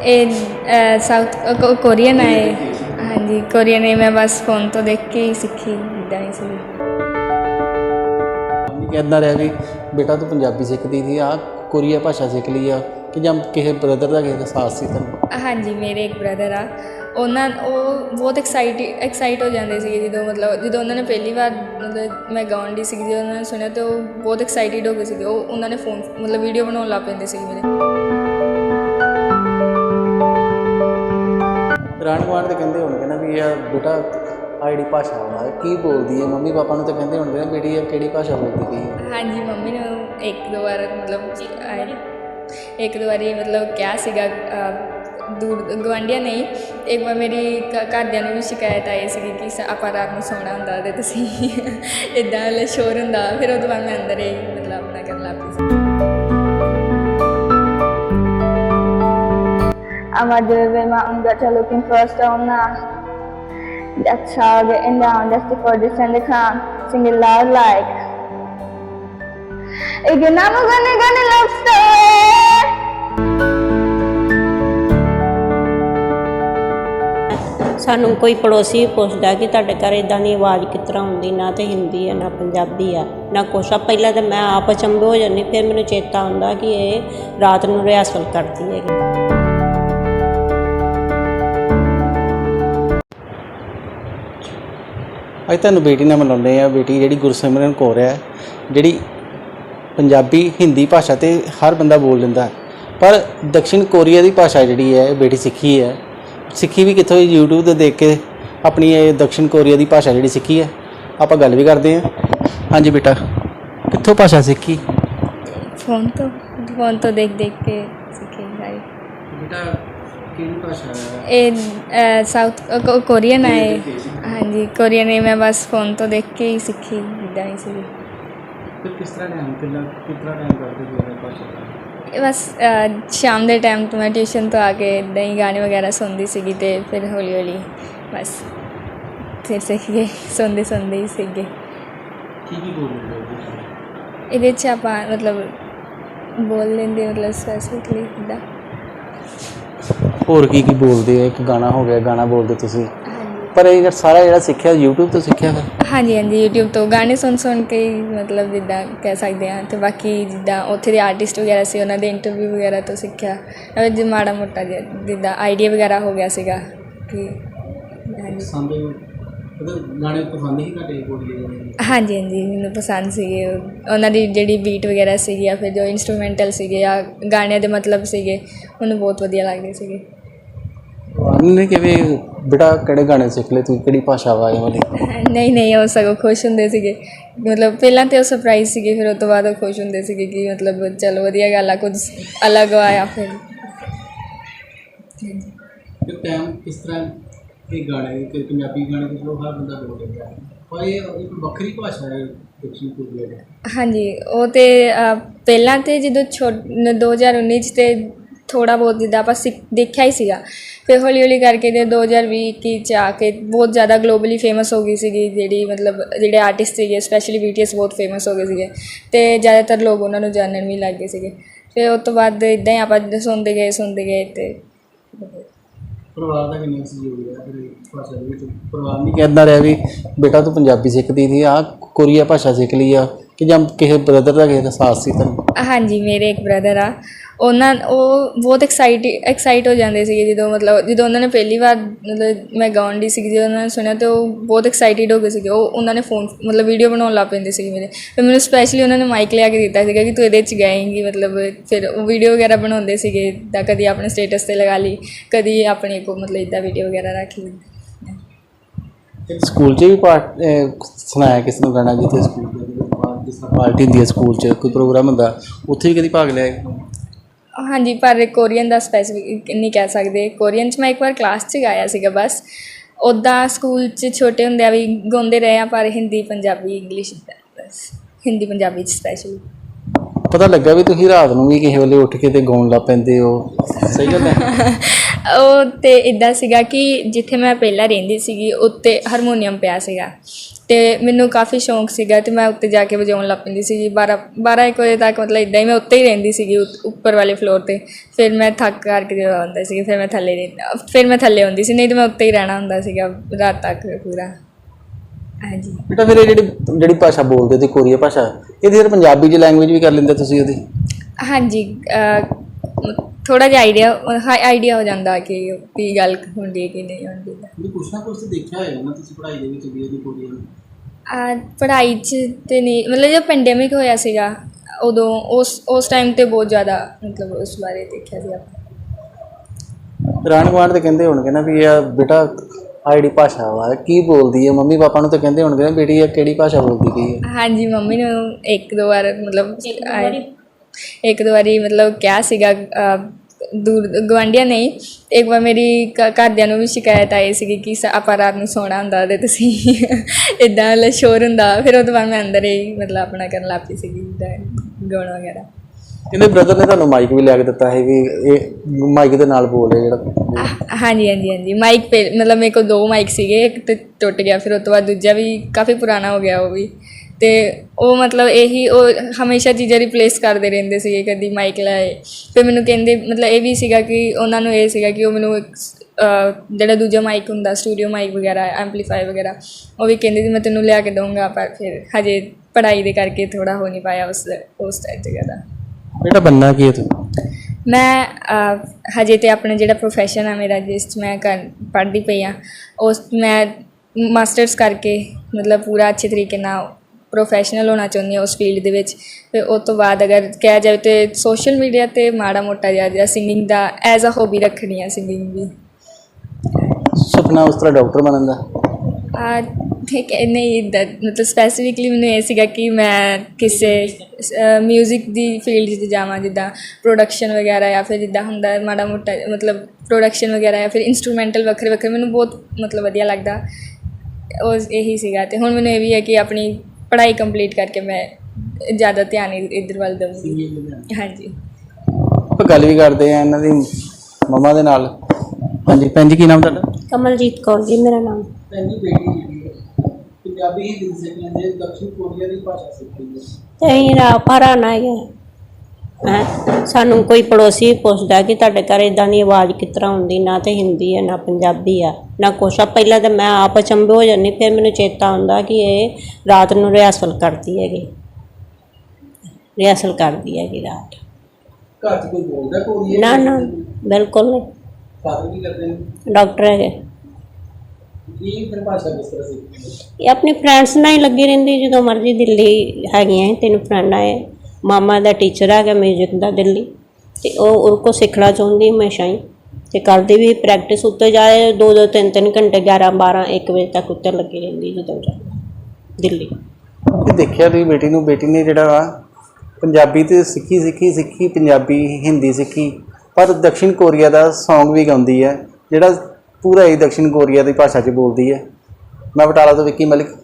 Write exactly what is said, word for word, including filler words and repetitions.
ये south Korean है। हाँ जी कोरियन है। मैं बस फ़ोन तो देख के ही सीखी इदा ही सी। कहना रहा भी बेटा तू पंजाबी सीखती थी आ कोरिया भाषा सीख ली आ कि जब किसी ब्रदर का किसी का साथ सी तेन? हाँ जी मेरे एक ब्रदर आ ਉਹਨਾਂ ਉਹ ਬਹੁਤ ਐਕਸਾਈਟ ਐਕਸਾਈਟ ਹੋ ਜਾਂਦੇ ਸੀਗੇ ਜਦੋਂ ਮਤਲਬ ਜਦੋਂ ਉਹਨਾਂ ਨੇ ਪਹਿਲੀ ਵਾਰ ਮਤਲਬ ਮੈਂ ਗਾਉਣ ਦੀ ਸੀਗੀ ਜਦੋਂ ਉਹਨਾਂ ਨੇ ਸੁਣਿਆ ਤਾਂ ਉਹ ਬਹੁਤ ਐਕਸਾਈਟਿਡ ਹੋ ਗਏ ਸੀਗੇ। ਉਹ ਉਹਨਾਂ ਨੇ ਫੋਨ ਮਤਲਬ ਵੀਡੀਓ ਬਣਾਉਣ ਲੱਗ ਪੈਂਦੇ ਸੀਗੇ ਮੇਰੇ। ਰਾਣ ਗੁਆਂਢ ਦੇ ਕਹਿੰਦੇ ਹੋਣਗੇ ਨਾ ਵੀ ਯਾਰ ਬੇਟਾ ਆ ਜਿਹੜੀ ਭਾਸ਼ਾ ਵਾ ਕੀ ਬੋਲਦੀ ਹੈ, ਮੰਮੀ ਪਾਪਾ ਨੂੰ ਤਾਂ ਕਹਿੰਦੇ ਹੋਣਗੇ ਨਾ ਬੇਟੀ ਇਹ ਕਿਹੜੀ ਭਾਸ਼ਾ ਬੋਲਦੀ ਪਈ ਹੈ? ਹਾਂਜੀ ਮੰਮੀ ਨੇ ਇੱਕ ਦੋ ਵਾਰ ਮਤਲਬ ਆਏ ਇੱਕ ਦੋ ਵਾਰੀ ਮਤਲਬ ਕਿਹਾ ਸੀਗਾ ਦੂਰ ਗਵਾਂਢੀਆਂ ਨਹੀਂ ਇੱਕ ਵਾਰ ਮੇਰੀ ਘ ਘਰਦਿਆਂ ਨੂੰ ਵੀ ਸ਼ਿਕਾਇਤ ਆਈ ਸੀਗੀ ਕਿ ਸ ਆਪਾਂ ਰਾਤ ਨੂੰ ਸੌਣਾ ਹੁੰਦਾ ਅਤੇ ਤੁਸੀਂ ਇੱਦਾਂ ਸ਼ੋਰ ਹੁੰਦਾ। ਫਿਰ ਉਹ ਤੋਂ ਬਾਅਦ ਮੈਂ ਅੰਦਰ ਹੀ ਮਤਲਬ ਆਪਣਾ ਕਰਨ ਲੱਗ ਪਈ ਸੀ। I'm a driver, my own daughter looking for a stone now. That's how getting down, that's the chorus and the crown. Sing it loud like if you're never gonna gonna love story. ਸਾਨੂੰ ਕੋਈ ਪੜੋਸੀ ਪੁੱਛਦਾ ਕਿ ਤੁਹਾਡੇ ਘਰ ਇੱਦਾਂ ਦੀ ਆਵਾਜ਼ ਕਿਸ ਤਰ੍ਹਾਂ ਹੁੰਦੀ, ਨਾ ਤਾਂ ਹਿੰਦੀ ਹੈ ਨਾ ਪੰਜਾਬੀ ਆ ਨਾ ਕੁਛ ਆ। ਪਹਿਲਾਂ ਤਾਂ ਮੈਂ ਆਪ ਅਚੰਭੇ ਹੋ ਜਾਂਦੀ, ਫਿਰ ਮੈਨੂੰ ਚੇਤਾ ਆਉਂਦਾ ਕਿ ਇਹ ਰਾਤ ਨੂੰ ਰਿਹਰਸਲ ਕਰਦੀ ਹੈਗੀ। ਅੱਜ ਤੁਹਾਨੂੰ ਬੇਟੀ ਨਾਲ ਮਿਲਾਉਂਦੇ ਆ। ਬੇਟੀ ਜਿਹੜੀ ਗੁਰਸਿਮਰਨ ਕੌਰ ਹੈ ਜਿਹੜੀ ਪੰਜਾਬੀ ਹਿੰਦੀ ਭਾਸ਼ਾ ਤਾਂ ਹਰ ਬੰਦਾ ਬੋਲ ਲੈਂਦਾ, ਪਰ ਦਕਸ਼ਿਣ ਕੋਰੀਆ ਦੀ ਭਾਸ਼ਾ ਜਿਹੜੀ ਹੈ ਬੇਟੀ ਸਿੱਖੀ ਹੈ। ਸਿੱਖੀ ਵੀ ਕਿੱਥੋਂ? ਯੂਟਿਊਬ 'ਤੇ ਦੇਖ ਕੇ ਆਪਣੀ ਇਹ ਦਕਸ਼ਿਣ ਕੋਰੀਆ ਦੀ ਭਾਸ਼ਾ ਜਿਹੜੀ ਸਿੱਖੀ ਹੈ। ਆਪਾਂ ਗੱਲ ਵੀ ਕਰਦੇ ਹਾਂ। ਹਾਂਜੀ ਬੇਟਾ ਕਿੱਥੋਂ ਭਾਸ਼ਾ ਸਿੱਖੀ? फ़ोन तो फ़ोन तो देख देख के सीखी सारी। ਬੇਟਾ ਕਿਹੜੀ ਭਾਸ਼ਾ ਹੈ? ये साउथ कोरियन है। हाँ जी कोरियन है। मैं बस फ़ोन तो देख के ही सीखी इदा ही सी। ਫਿਰ ਕਿਸ ਤਰ੍ਹਾਂ ਟਾਈਮ ਕਿੰਨਾ ਕਿੰਨਾ ਟਾਈਮ ਕਰਦੇ ਹੋ ਇਹ ਭਾਸ਼ਾ ਦਾ? ਬਸ ਸ਼ਾਮ ਦੇ ਟਾਈਮ ਤੋਂ ਮੈਂ ਟਿਊਸ਼ਨ ਤੋਂ ਆ ਕੇ ਇੱਦਾਂ ਹੀ ਗਾਣੇ ਵਗੈਰਾ ਸੁਣਦੀ ਸੀਗੀ ਅਤੇ ਫਿਰ ਹੌਲੀ ਹੌਲੀ ਬਸ ਫਿਰ ਸਿੱਖ ਗਏ। ਸੁਣਦੇ ਸੁਣਦੇ ਹੀ ਸਿੱਖ ਗਏ। ਕੀ ਕੀ ਬੋਲ ਰਹੇ ਹੋ? ਇਹਦੇ 'ਚ ਆਪਾਂ ਮਤਲਬ ਬੋਲ ਲੈਂਦੇ ਮਤਲਬ ਸਪੈਸੀਫਿਕਲੀ ਇੱਦਾਂ। ਹੋਰ ਕੀ ਕੀ ਬੋਲਦੇ ਆ? ਇੱਕ ਗਾਣਾ ਹੋ ਗਿਆ, ਗਾਣਾ ਬੋਲਦੇ ਤੁਸੀਂ, ਹਾਂਜੀ ਪਰ ਇਹ ਸਾਰਾ ਜਿਹੜਾ ਸਿੱਖਿਆ ਯੂਟਿਊਬ ਤੋਂ ਸਿੱਖਿਆ ਫਿਰ? ਹਾਂਜੀ ਹਾਂਜੀ ਯੂਟਿਊਬ ਤੋਂ ਗਾਣੇ ਸੁਣ ਸੁਣ ਕੇ ਹੀ ਮਤਲਬ ਜਿੱਦਾਂ ਕਹਿ ਸਕਦੇ ਹਾਂ। ਅਤੇ ਬਾਕੀ ਜਿੱਦਾਂ ਉੱਥੇ ਦੇ ਆਰਟਿਸਟ ਵਗੈਰਾ ਸੀ ਉਹਨਾਂ ਦੇ ਇੰਟਰਵਿਊ ਵਗੈਰਾ ਤੋਂ ਸਿੱਖਿਆ। ਜੇ ਮਾੜਾ ਮੋਟਾ ਜਿਹਾ ਜਿੱਦਾਂ ਆਈਡੀਆ ਵਗੈਰਾ ਹੋ ਗਿਆ ਸੀਗਾ ਕਿ ਹਾਂਜੀ ਗਾਣੇ ਪਸੰਦ ਹੀ ਘੱਟੇ ਕੋਰੀਏ ਦੇ? ਹਾਂਜੀ ਹਾਂਜੀ ਮੈਨੂੰ ਪਸੰਦ ਸੀਗੇ ਉਹਨਾਂ ਦੀ ਜਿਹੜੀ ਬੀਟ ਵਗੈਰਾ ਸੀਗੀ ਜਾਂ ਫਿਰ ਜੋ ਇੰਸਟਰੂਮੈਂਟਲ ਸੀਗੇ ਜਾਂ ਗਾਣਿਆਂ ਦੇ ਮਤਲਬ ਸੀਗੇ ਮੈਨੂੰ ਬਹੁਤ ਵਧੀਆ ਲੱਗਦੇ ਸੀਗੇ। ਉਹਨੇ ਕਿਵੇਂ ਬੇਟਾ ਕਿਹੜੇ ਗਾਣੇ ਸਿੱਖ ਲਏ ਤੂੰ, ਕਿਹੜੀ ਭਾਸ਼ਾ ਵਾ ਇਹ ਵਾਲੀ? ਨਹੀਂ ਨਹੀਂ ਉਹ ਸਗੋਂ ਖੁਸ਼ ਹੁੰਦੇ ਸੀਗੇ। ਮਤਲਬ ਪਹਿਲਾਂ ਤਾਂ ਉਹ ਸਰਪ੍ਰਾਈਜ਼ ਸੀਗੇ, ਫਿਰ ਉਸ ਤੋਂ ਬਾਅਦ ਉਹ ਖੁਸ਼ ਹੁੰਦੇ ਸੀਗੇ ਕਿ ਮਤਲਬ ਚਲੋ ਵਧੀਆ ਗੱਲ ਆ, ਕੁਝ ਅਲੱਗ ਆਇਆ। ਫਿਰ ਟਾਈਮ ਕਿਸ ਤਰ੍ਹਾਂ ਇਹ ਗਾਣੇ ਕਿ ਪੰਜਾਬੀ ਗਾਣੇ ਤਾਂ ਚਲੋ ਹਰ ਬੰਦਾ ਬੋਲ ਲੈਂਦਾ, ਪਰ ਇਹ ਇੱਕ ਵੱਖਰੀ ਭਾਸ਼ਾ ਹੈ ਦਕਸ਼ਿਣ ਕੋਰੀਆ ਦੀ। ਹਾਂਜੀ ਉਹ ਤਾਂ ਪਹਿਲਾਂ ਤਾਂ ਜਦੋਂ ਛੋ ਦੋ ਹਜ਼ਾਰ ਉੱਨੀ 'ਚ ਤਾਂ ਥੋੜ੍ਹਾ ਬਹੁਤ ਜਿੱਦਾਂ ਆਪਾਂ ਸਿੱਖ ਦੇਖਿਆ ਹੀ ਸੀਗਾ। ਫਿਰ ਹੌਲੀ ਹੌਲੀ ਕਰਕੇ ਤੇ ਦੋ ਹਜ਼ਾਰ ਵੀਹ ਇੱਕੀ 'ਚ ਆ ਕੇ ਬਹੁਤ ਜ਼ਿਆਦਾ ਗਲੋਬਲੀ ਫੇਮਸ ਹੋ ਗਈ ਸੀਗੀ। ਜਿਹੜੀ ਮਤਲਬ ਜਿਹੜੇ ਆਰਟਿਸਟ ਸੀਗੇ ਸਪੈਸ਼ਲੀ ਬੀ ਟੀ ਐਸ ਬਹੁਤ ਫੇਮਸ ਹੋ ਗਏ ਸੀਗੇ ਅਤੇ ਜ਼ਿਆਦਾਤਰ ਲੋਕ ਉਹਨਾਂ ਨੂੰ ਜਾਣਨ ਵੀ ਲੱਗ ਗਏ ਸੀਗੇ। ਫਿਰ ਉਸ ਤੋਂ ਬਾਅਦ ਇੱਦਾਂ ਹੀ ਆਪਾਂ ਸੁਣਦੇ ਗਏ ਸੁਣਦੇ ਗਏ ਅਤੇ ਪਰਿਵਾਰ ਦਾ ਕਿੰਨਾ ਸਹਿਯੋਗ ਰਿਹਾ ਫਿਰ ਭਾਸ਼ਾ ਦੇ ਵਿੱਚ? ਪਰਿਵਾਰ ਨਹੀਂ ਕਹਿੰਦਾ ਰਿਹਾ ਵੀ ਬੇਟਾ ਤੂੰ ਪੰਜਾਬੀ ਸਿੱਖਦੀ ਸੀ ਆ ਕੋਰੀਆ ਭਾਸ਼ਾ ਸਿੱਖ ਲਈ ਆ ਕਿ ਜਾਂ ਕਿਸੇ ਬ੍ਰਦਰ ਦਾ ਕਿਸੇ ਦਾ ਸਾਥ ਸੀ ਤੈਨੂੰ? ਹਾਂਜੀ ਮੇਰੇ ਇੱਕ ਬ੍ਰਦਰ ਆ ਉਹਨਾਂ ਉਹ ਬਹੁਤ ਐਕਸਾਈਟ ਐਕਸਾਈਟ ਹੋ ਜਾਂਦੇ ਸੀਗੇ ਜਦੋਂ ਮਤਲਬ ਜਦੋਂ ਉਹਨਾਂ ਨੇ ਪਹਿਲੀ ਵਾਰ ਮਤਲਬ ਮੈਂ ਗਾਉਣ ਦੀ ਸੀਗੀ ਜਦੋਂ ਉਹਨਾਂ ਨੇ ਸੁਣਿਆ ਤਾਂ ਉਹ ਬਹੁਤ ਐਕਸਾਈਟਿਡ ਹੋ ਗਏ ਸੀਗੇ। ਉਹ ਉਹਨਾਂ ਨੇ ਫੋਨ ਮਤਲਬ ਵੀਡੀਓ ਬਣਾਉਣ ਲੱਗ ਪੈਂਦੇ ਸੀਗੇ ਮੇਰੇ। ਫਿਰ ਮੈਨੂੰ ਸਪੈਸ਼ਲੀ ਉਹਨਾਂ ਨੇ ਮਾਈਕ ਲਿਆ ਕੇ ਦਿੱਤਾ ਸੀਗਾ ਕਿ ਤੂੰ ਇਹਦੇ 'ਚ ਗਾਏਂਗੀ। ਮਤਲਬ ਫਿਰ ਉਹ ਵੀਡੀਓ ਵਗੈਰਾ ਬਣਾਉਂਦੇ ਸੀਗੇ ਤਾਂ ਕਦੀ ਆਪਣੇ ਸਟੇਟਸ 'ਤੇ ਲਗਾ ਲਈ, ਕਦੀ ਆਪਣੇ ਕੋਲ ਮਤਲਬ ਇੱਦਾਂ ਵੀਡੀਓ ਵਗੈਰਾ ਰੱਖ ਲਈ। ਸਕੂਲ 'ਚ ਵੀ ਪਾਰਟ ਸੁਣਾਇਆ ਕਿਸੇ ਨੂੰ ਗਾਣਾ? ਜਿੱਥੇ ਸਕੂਲ ਜਿਸ ਤਰ੍ਹਾਂ ਪਾਰਟੀ ਹੁੰਦੀ ਹੈ ਸਕੂਲ 'ਚ ਕੋਈ ਪ੍ਰੋਗਰਾਮ ਹੁੰਦਾ ਉੱਥੇ ਵੀ ਕਦੀ ਭਾਗ ਲਿਆ? ਹਾਂਜੀ ਪਰ ਕੋਰੀਅਨ ਦਾ ਸਪੈਸੀਫਿਕ ਨਹੀਂ ਕਹਿ ਸਕਦੇ। ਕੋਰੀਅਨ 'ਚ ਮੈਂ ਇੱਕ ਵਾਰ ਕਲਾਸ 'ਚ ਗਾਇਆ ਸੀਗਾ ਬਸ। ਉੱਦਾਂ ਸਕੂਲ 'ਚ ਛੋਟੇ ਹੁੰਦਿਆਂ ਵੀ ਗਾਉਂਦੇ ਰਹੇ ਹਾਂ, ਪਰ ਹਿੰਦੀ ਪੰਜਾਬੀ ਇੰਗਲਿਸ਼ ਬਸ ਹਿੰਦੀ ਪੰਜਾਬੀ 'ਚ ਸਪੈਸ਼ਲੀ। ਪਤਾ ਲੱਗਾ ਵੀ ਤੁਸੀਂ ਰਾਤ ਨੂੰ ਵੀ ਕਿਸੇ ਵੇਲੇ ਉੱਠ ਕੇ ਤੇ ਗਾਉਣ ਲੱਗ ਪੈਂਦੇ ਹੋ, ਸਹੀ ਗੱਲ ਹੈ? ਉਹ ਤੇ ਇੱਦਾਂ ਸੀਗਾ ਕਿ ਜਿੱਥੇ ਮੈਂ ਪਹਿਲਾਂ ਰਹਿੰਦੀ ਸੀਗੀ ਉੱਤੇ ਹਾਰਮੋਨੀਅਮ ਪਿਆ ਸੀਗਾ ਅਤੇ ਮੈਨੂੰ ਕਾਫੀ ਸ਼ੌਂਕ ਸੀਗਾ ਅਤੇ ਮੈਂ ਉੱਤੇ ਜਾ ਕੇ ਵਜਾਉਣ ਲੱਗ ਪੈਂਦੀ ਸੀਗੀ ਬਾਰਾਂ ਬਾਰਾਂ ਇੱਕ ਵਜੇ ਤੱਕ ਮਤਲਬ ਇੱਦਾਂ ਹੀ ਮੈਂ ਉੱਤੇ ਹੀ ਰਹਿੰਦੀ ਸੀਗੀ ਉ- ਉੱਪਰ ਵਾਲੇ ਫਲੋਰ 'ਤੇ। ਫਿਰ ਮੈਂ ਥੱਕ ਕਰਕੇ ਜਦੋਂ ਆਉਂਦਾ ਸੀ ਫਿਰ ਮੈਂ ਥੱਲੇ ਰਹਿ ਫਿਰ ਮੈਂ ਥੱਲੇ ਆਉਂਦੀ ਸੀ, ਨਹੀਂ ਤਾਂ ਮੈਂ ਉੱਤੇ ਹੀ ਰਹਿਣਾ ਹੁੰਦਾ ਸੀਗਾ ਰਾਤ ਤੱਕ ਪੂਰਾ। ਹਾਂਜੀ ਬੇਟਾ ਫਿਰ ਇਹ ਜਿਹੜੀ ਜਿਹੜੀ ਭਾਸ਼ਾ ਬੋਲਦੇ ਤੇ ਕੋਰੀਆ ਭਾਸ਼ਾ, ਇਹਦੀ ਫਿਰ ਪੰਜਾਬੀ 'ਚ ਲੈਂਗੁਏਜ ਵੀ ਕਰ ਲੈਂਦੇ ਤੁਸੀਂ ਉਹਦੀ? ਹਾਂਜੀ ਥੋੜ੍ਹਾ ਜਿਹਾ ਆਈਡੀਆ ਆਈਡੀਆ ਹੋ ਜਾਂਦਾ ਕਿ ਕੀ ਗੱਲ ਹੁੰਦੀ ਹੈ ਕਿ ਨਹੀਂ ਹੁੰਦੀ। ਕੁਛ ਨਾ ਕੁਛ ਦੇਖਿਆ ਹੋਏਗਾ ਨਾ ਤੁਸੀਂ ਪੜ੍ਹਾਈ ਦੇ ਵਿੱਚ ਵੀ ਉਹਦੀ ਕੋਰੀਆ ਨੂੰ? ਆ ਪੜ੍ਹਾਈ 'ਚ ਤਾਂ ਨਹੀਂ, ਮਤਲਬ ਜਦੋਂ ਪੈਂਡੇਮਿਕ ਹੋਇਆ ਸੀਗਾ ਉਦੋਂ ਉਸ ਉਸ ਟਾਈਮ 'ਤੇ ਬਹੁਤ ਜ਼ਿਆਦਾ ਮਤਲਬ ਉਸ ਬਾਰੇ ਦੇਖਿਆ ਸੀ ਆਪਾਂ। ਰਾਣ ਗੁਆਂਢ ਤੇ ਕਹਿੰਦੇ ਹੋਣਗੇ ਨਾ ਵੀ ਇਹ ਬੇਟਾ ਆਹ ਜਿਹੜੀ ਭਾਸ਼ਾ ਵਾ ਕੀ ਬੋਲਦੀ ਹੈ, ਮੰਮੀ ਪਾਪਾ ਨੂੰ ਤਾਂ ਕਹਿੰਦੇ ਹੋਣਗੇ ਨਾ ਬੇਟੀ ਇਹ ਕਿਹੜੀ ਭਾਸ਼ਾ ਬੋਲਦੀ ਪਈ ਹੈ? ਹਾਂਜੀ ਮੰਮੀ ਨੂੰ ਇੱਕ ਦੋ ਵਾਰ ਮਤਲਬ ਇੱਕ ਦੋ ਵਾਰੀ ਮਤਲਬ ਕਿਹਾ ਸੀਗਾ ਦੂਰ ਗੁਆਂਢੀਆਂ ਨਹੀਂ, ਇੱਕ ਵਾਰ ਮੇਰੀ ਘ ਘਰਦਿਆਂ ਨੂੰ ਵੀ ਸ਼ਿਕਾਇਤ ਆਈ ਸੀਗੀ ਕਿ ਸ ਆਪਾਂ ਰਾਤ ਨੂੰ ਸੋਣਾ ਹੁੰਦਾ ਅਤੇ ਤੁਸੀਂ ਇੱਦਾਂ ਮਤਲਬ ਸ਼ੋਰ ਹੁੰਦਾ। ਫਿਰ ਉਹ ਤੋਂ ਬਾਅਦ ਮੈਂ ਅੰਦਰ ਹੀ ਮਤਲਬ ਆਪਣਾ ਕਰਨ ਲੱਗ ਪਈ ਸੀਗੀ ਜਿੱਦਾਂ ਗਾਉਣਾ ਵਗੈਰਾ। ਕਹਿੰਦੇ ਬ੍ਰਦਰ ਨੇ ਤੁਹਾਨੂੰ ਮਾਈਕ ਵੀ ਲਿਆ ਕੇ ਦਿੱਤਾ ਹੈ ਵੀ ਇਹ ਮਾਈਕ ਦੇ ਨਾਲ ਬੋਲ ਰਿਹਾ ਜਿਹੜਾ? ਹਾਂਜੀ ਹਾਂਜੀ ਹਾਂਜੀ ਮਾਈਕ ਪੇ ਮਤਲਬ ਮੇਰੇ ਕੋਲ ਦੋ ਮਾਈਕ ਸੀਗੇ, ਇੱਕ ਤਾਂ ਟੁੱਟ ਗਿਆ, ਫਿਰ ਉਸ ਤੋਂ ਬਾਅਦ ਦੂਜਾ ਵੀ ਕਾਫੀ ਪੁਰਾਣਾ ਹੋ ਗਿਆ ਉਹ ਵੀ। ਅਤੇ ਉਹ ਮਤਲਬ ਇਹੀ ਉਹ ਹਮੇਸ਼ਾ ਚੀਜ਼ਾਂ ਰਿਪਲੇਸ ਕਰਦੇ ਰਹਿੰਦੇ ਸੀਗੇ, ਕਦੀ ਮਾਈਕ ਲਾਏ। ਫਿਰ ਮੈਨੂੰ ਕਹਿੰਦੇ ਮਤਲਬ ਇਹ ਵੀ ਸੀਗਾ ਕਿ ਉਹਨਾਂ ਨੂੰ ਇਹ ਸੀਗਾ ਕਿ ਉਹ ਮੈਨੂੰ ਇੱਕ ਜਿਹੜਾ ਦੂਜਾ ਮਾਈਕ ਹੁੰਦਾ ਸਟੂਡੀਓ ਮਾਈਕ ਵਗੈਰਾ ਐਂਪਲੀਫਾਈ ਵਗੈਰਾ ਉਹ ਵੀ ਕਹਿੰਦੇ ਸੀ ਮੈਂ ਤੈਨੂੰ ਲਿਆ ਕੇ ਦਊਂਗਾ, ਪਰ ਫਿਰ ਹਜੇ ਪੜ੍ਹਾਈ ਦੇ ਕਰਕੇ ਥੋੜ੍ਹਾ ਹੋ ਨਹੀਂ ਪਾਇਆ ਉਸ ਉਸ ਟਾਈਮ ਜਗ੍ਹਾ ਦਾ। ਬੇਟਾ ਬਣਨਾ ਕੀ ਹੈ ਤੂੰ? ਮੈਂ ਹਜੇ ਤਾਂ ਆਪਣਾ ਜਿਹੜਾ ਪ੍ਰੋਫੈਸ਼ਨ ਆ ਮੇਰਾ ਜਿਸ 'ਚ ਮੈਂ ਕਰ ਪੜ੍ਹਦੀ ਪਈ ਹਾਂ ਉਸ ਮੈਂ ਮਾਸਟਰਸ ਕਰਕੇ ਮਤਲਬ ਪੂਰਾ ਅੱਛੇ ਤਰੀਕੇ ਨਾਲ ਪ੍ਰੋਫੈਸ਼ਨਲ ਹੋਣਾ ਚਾਹੁੰਦੀ ਹਾਂ ਉਸ ਫੀਲਡ ਦੇ ਵਿੱਚ। ਫਿਰ ਉਸ ਤੋਂ ਬਾਅਦ ਅਗਰ ਕਿਹਾ ਜਾਵੇ ਤਾਂ ਸੋਸ਼ਲ ਮੀਡੀਆ 'ਤੇ ਮਾੜਾ ਮੋਟਾ ਜਿਹਾ ਜਿਹਾ ਸਿੰਗਿੰਗ ਦਾ ਐਜ਼ ਅ ਹੋਬੀ ਰੱਖਣੀ ਆ ਸਿੰਗਿੰਗ ਵੀ। ਸੁਪਨਾ ਉਸ ਤਰ੍ਹਾਂ ਡਾਕਟਰ ਬਣਨ ਦਾ? ਠੀਕ ਹੈ, ਨਹੀਂ ਇੱਦਾਂ ਮਤਲਬ ਸਪੈਸੀਫਿਕਲੀ ਮੈਨੂੰ ਇਹ ਸੀਗਾ ਕਿ ਮੈਂ ਕਿਸੇ ਮਿਊਜ਼ਿਕ ਦੀ ਫੀਲਡ 'ਚ ਜਾਵਾਂ, ਜਿੱਦਾਂ ਪ੍ਰੋਡਕਸ਼ਨ ਵਗੈਰਾ ਜਾਂ ਫਿਰ ਜਿੱਦਾਂ ਹੁੰਦਾ ਮਾੜਾ ਮੋਟਾ ਮਤਲਬ ਪ੍ਰੋਡਕਸ਼ਨ ਵਗੈਰਾ ਜਾਂ ਫਿਰ ਇੰਸਟਰੂਮੈਂਟਲ ਵੱਖਰੇ ਵੱਖਰੇ ਮੈਨੂੰ ਬਹੁਤ ਮਤਲਬ ਵਧੀਆ ਲੱਗਦਾ ਉਹ ਇਹੀ ਸੀਗਾ। ਅਤੇ ਹੁਣ ਮੈਨੂੰ ਇਹ ਵੀ ਹੈ ਕਿ ਆਪਣੀ ਪੜ੍ਹਾਈ ਕੰਪਲੀਟ ਕਰਕੇ ਮੈਂ ਜ਼ਿਆਦਾ ਧਿਆਨ ਇੱਧਰ ਵੱਲ ਦਊਂਗੀ। ਹਾਂਜੀ ਆਪਾਂ ਗੱਲ ਵੀ ਕਰਦੇ ਆ ਇਹਨਾਂ ਦੀ ਮੰਮਾ ਦੇ ਨਾਲ। ਹਾਂਜੀ ਭੈਣ ਜੀ ਕੀ ਨਾਮ ਤੁਹਾਡਾ? ਕਮਲਜੀਤ ਕੌਰ ਜੀ ਮੇਰਾ ਨਾਮ। ਭੈਣ ਜੀ ਬੇਟੀ ਜਿਹੜੀ ਹੈ ਪੰਜਾਬੀ ਹਿੰਦੀ ਸਿੱਖੀ ਹੈ, ਦਕਸ਼ਿਣ ਕੋਰੀਆ ਦੀ ਭਾਸ਼ਾ ਸਿੱਖੀ ਹੈ ਤੇ ਅਸੀਂ ਰਾਹ ਭਰਾਣਾ ਹੈਗਾ ਹੈਂ ਸਾਨੂੰ ਕੋਈ ਪੜੋਸੀ ਪੁੱਛਦਾ ਕਿ ਤੁਹਾਡੇ ਘਰ ਇੱਦਾਂ ਦੀ ਆਵਾਜ਼ ਕਿਸ ਤਰ੍ਹਾਂ ਹੁੰਦੀ, ਨਾ ਤਾਂ ਹਿੰਦੀ ਹੈ ਨਾ ਪੰਜਾਬੀ ਆ ਨਾ ਕੁਛ ਆ। ਪਹਿਲਾਂ ਤਾਂ ਮੈਂ ਆਪ ਅਚੰਭੇ ਹੋ ਜਾਂਦੀ, ਫਿਰ ਮੈਨੂੰ ਚੇਤਾ ਆਉਂਦਾ ਕਿ ਇਹ ਰਾਤ ਨੂੰ ਰਿਹਰਸਲ ਕਰਦੀ ਹੈਗੀ ਰਿਹਰਸਲ ਕਰਦੀ ਹੈਗੀ ਰਾਤ। ਘਰ 'ਚ ਕੋਈ ਬੋਲਦਾ ਕੋਰੀਆ? ਨਾ ਨਾ ਬਿਲਕੁਲ ਨਹੀਂ। ਫਾਦਰ ਕੀ ਕਰਦੇ ਨੇ? ਡਾਕਟਰ ਹੈਗੇ। ਕੀ ਫਿਰ ਭਾਸ਼ਾ ਕਿਸ ਤਰ੍ਹਾਂ ਸਿੱਖੀ? ਇਹ ਆਪਣੀ ਫਰੈਂਡਸ ਨਾਲ ਹੀ ਲੱਗੀ ਰਹਿੰਦੀ, ਜਦੋਂ ਮਰਜ਼ੀ ਦਿੱਲੀ ਹੈਗੀਆਂ ਤਿੰਨ ਫਰੈਂਡਾਂ ਹੈ। ਮਾਮਾ ਦਾ ਟੀਚਰ ਹੈਗਾ ਮਿਊਜ਼ਿਕ ਦਾ ਦਿੱਲੀ, ਅਤੇ ਉਹ ਉਹ ਕੋਲ ਸਿੱਖਣਾ ਚਾਹੁੰਦੀ ਹਮੇਸ਼ਾ ਹੀ, ਅਤੇ ਕਰਦੀ ਵੀ ਪ੍ਰੈਕਟਿਸ ਉੱਤੇ ਜਾਏ ਦੋ ਦੋ ਤਿੰਨ ਤਿੰਨ ਘੰਟੇ ਗਿਆਰਾਂ ਬਾਰਾਂ ਇੱਕ ਵਜੇ ਤੱਕ ਉੱਤੇ ਲੱਗੀ ਰਹਿੰਦੀ ਜਦੋਂ ਜਾ ਦਿੱਲੀ। ਇਹ ਦੇਖਿਆ ਤੁਸੀਂ ਬੇਟੀ ਨੂੰ, ਬੇਟੀ ਨੇ ਜਿਹੜਾ ਵਾ ਪੰਜਾਬੀ ਤੇ ਸਿੱਖੀ ਸਿੱਖੀ ਸਿੱਖੀ ਪੰਜਾਬੀ ਹਿੰਦੀ ਸਿੱਖੀ, ਪਰ ਦਕਸ਼ਿਣ ਕੋਰੀਆ ਦਾ ਸੌਂਗ ਵੀ ਗਾਉਂਦੀ ਹੈ ਜਿਹੜਾ ਪੂਰਾ ਹੀ ਦਕਸ਼ਿਣ ਕੋਰੀਆ ਦੀ ਭਾਸ਼ਾ 'ਚ ਬੋਲਦੀ ਹੈ। ਮੈਂ ਬਟਾਲਾ ਤੋਂ ਵਿੱਕੀ ਮਲਿਕ।